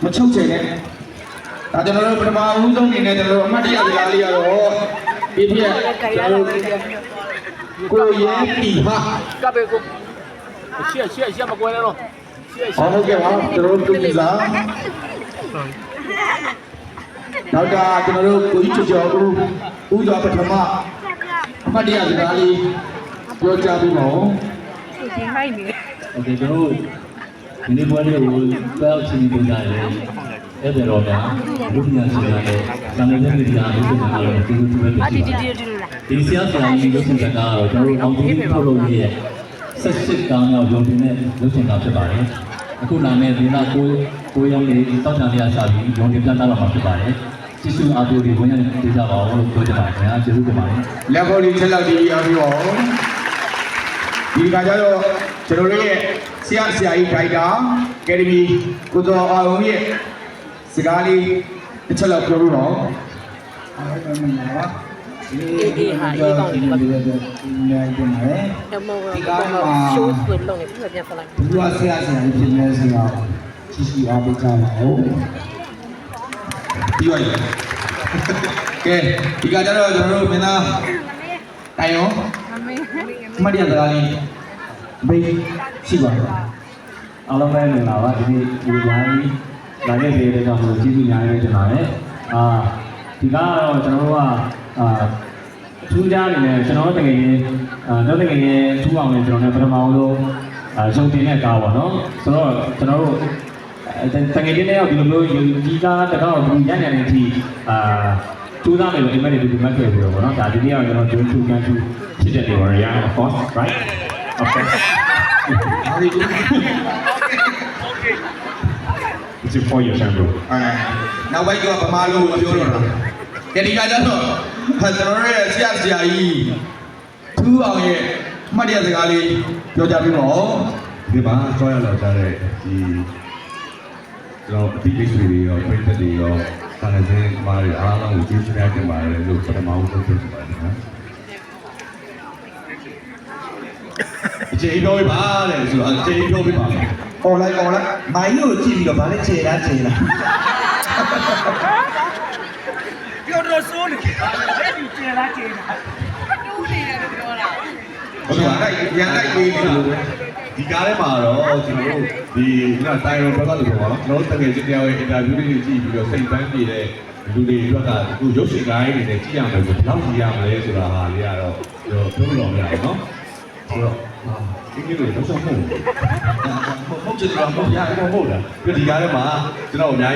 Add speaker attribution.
Speaker 1: မချုပ်ချယ်နဲ့ဒါကျွန်တော်တို့ပထမဦးဆုံးအနေနဲ့ကျွန်တော်တို့အမှတ်တရစကားလေးရတော့ဒီပြည့်ကျွန်တော်တို့ကိုရဲတီဟာ
Speaker 2: ကပ်ပဲကိုရှေ့မကွဲနဲ့တော့
Speaker 1: ဟုတ်ကဲ့ပါကျွန်တော်တို့တူကြီးစားနောက်တာကျွန်တော်တို့ကိုကြီးကျော်ဦးစွာပထမအမှတ်တရစကားလေးပြောကြပြီးပါဦး
Speaker 3: ဒီဟိုင်းနေ
Speaker 4: โอเคကျွန်တော်ဒီနေ့ပွဲလေးကိုတောက်ချင်းပေးကြရတယ်အဲ့ဒါတော့ဗျာလူပညာရှင်များနဲ့စာနယ်ဇင်းတွေအားလုံးကိုလည်းဒီလိုပဲဖြစ်ပါတယ်ဒီဆရာဆရာကြီးရုပ်ရှင်ကကတော့ကျွန်တော်အောင်ကြီးထုတ်လုပ်ရဲ့ဆက်စစ်ကောင်းရောက်ရုံတင်တဲ့ရုပ်ရှင်ကဖြစ်ပါတယ်အခုလာမယ့်ဒီနောက်ကိုရောက်နေတောက်ချံလေးအစားပြီးရုံတင်ပြသတော့မှာဖြစ်ပါတယ်ကျေးဇူးအားပေးပြီးဝင်ရတဲ့ဒေသပါအောင်လို့ပြောချင်ပါတယ်ခင်ဗျာကျေးဇူးတင်ပါတယ်
Speaker 1: လက်ပေါ်လေးချက်လောက်ဒီအားပြီးတော့ဒီကကြတော့ကျွန်တော်တို့ရဲ့ဆရာကြီးဒိုက်တာအကယ်ဒမီကိုတော်အောင်ရဲ့စကားလေးတစ်ချက်လောက်ပြောလို့တော့အားလုံးမင်္ဂလာပါ
Speaker 3: ဒီဟာအေးကောင်းတယ်ပါ
Speaker 1: ဒီနေ့ပြန်လာတယ်
Speaker 3: ဒီကတော့ရှိုးဆွေလုံးနေပြန်ဖလိုက်
Speaker 1: ဒီကဆရာကြီးပြင်နေစရာကြီးစီအားပေးကြပါဦးပြီးပါပြီကဲဒီကကြတော့ကျွန်တော်တို့မင်းသားတိုင်ရောမတ်ရစကားလေးဘေးရှိပါတော့
Speaker 4: အားလုံးပဲမင်္ဂလာပါဒီနေ့ဒီလိုင်းလာခဲ့တဲ့အတွက်ကြောင့်ကျေးဇူးများနေတင်ပါတယ်ဒီကတော့ကျွန်တော်တို့ကထူးခြားနေတယ်ကျွန်တော်တို့တကယ်ရင်တော့တကယ်ရင်ထူးအောင်လည်းကျွန်တော်လည်းပထမဆုံးရုံတင်တဲ့ကားပေါ့နော်ဆိုတော့ကျွန်တော်တို့တကယ်ချင်းတယောက်ဒီလိုမျိုးဒီကားတကောက်ဒီညညနေအထိထူးသားမယ်လို့ဒီမဲ့ဒီမှတ်ခဲ့ပြီးတော့ပေါ့နော်ဒါဒီနေ့ကကျွန်တော်ဂျွန်းထူကန်ထူဖြစ်တဲ့တွေပါရ of course right okay it's for your sample
Speaker 1: နောက်ပိုင်းကဗမာလိုပြောတော့တာကဲဒီကကြတော့ကျွန်တော်တို့ရဲ့ဆရာကြီးထူးအောင်ရဲ့မှတ်ရစကားလေးပြောကြပြီးတော့
Speaker 5: ဒီမှာဆွဲရလာကြတဲ့ဒီကျွန်တော်အတိတ်တွေရောပြည့်တဲ့တွေရောဆန္ဒစင်းမားတွေအားလုံးကိုကျေးဇူးများတင်ပါတယ်လို့ပထမဆုံးပြောချင်ပါတယ်နော်အခြေပြောပြပါလေဆိုတော့အခြေပြောပြပါမယ်
Speaker 1: អော်လိုက်မိုင်းကိုကြည့်ပြီးတော့ဗာလဲခြေလား
Speaker 2: ပြောတော့စိုးနေအဲ့ဒီကျေလားကျေလားတူးနေတယ်ပြောတာ
Speaker 1: ဟုတ်ကဲ့အဲ့ရန်လိုက်ပေးနေလို့
Speaker 5: ဒီကားထဲမှာတော့ကျွန်တော်တို့ဒီတိုင်ရောဘက်ကလို့ပေါ့နော်ကျွန်တော်တကယ်ချင်းတရားရဲ့အင်တာဗျူးလေးတွေကြည့်ပြီးတော့စိတ်ပန်းပြေတဲ့လူတွေအတွက်ကအခုရုပ်ရှင်ကားတွေနဲ့ကြည့်ရမယ်ဆိုဘယ်လောက်ကြည့်ရမလဲဆိုတာဟာလေးကတော့ပြောလို့မရဘူးနော်ဆိုတော့ဒီကိစ္စကိုတော့ဆုံးဖို့ဟုတ်တယ်တော့မဟုတ်ရဘူးမဟုတ်လားဒီကားထဲမှာကျွန်တော်အများ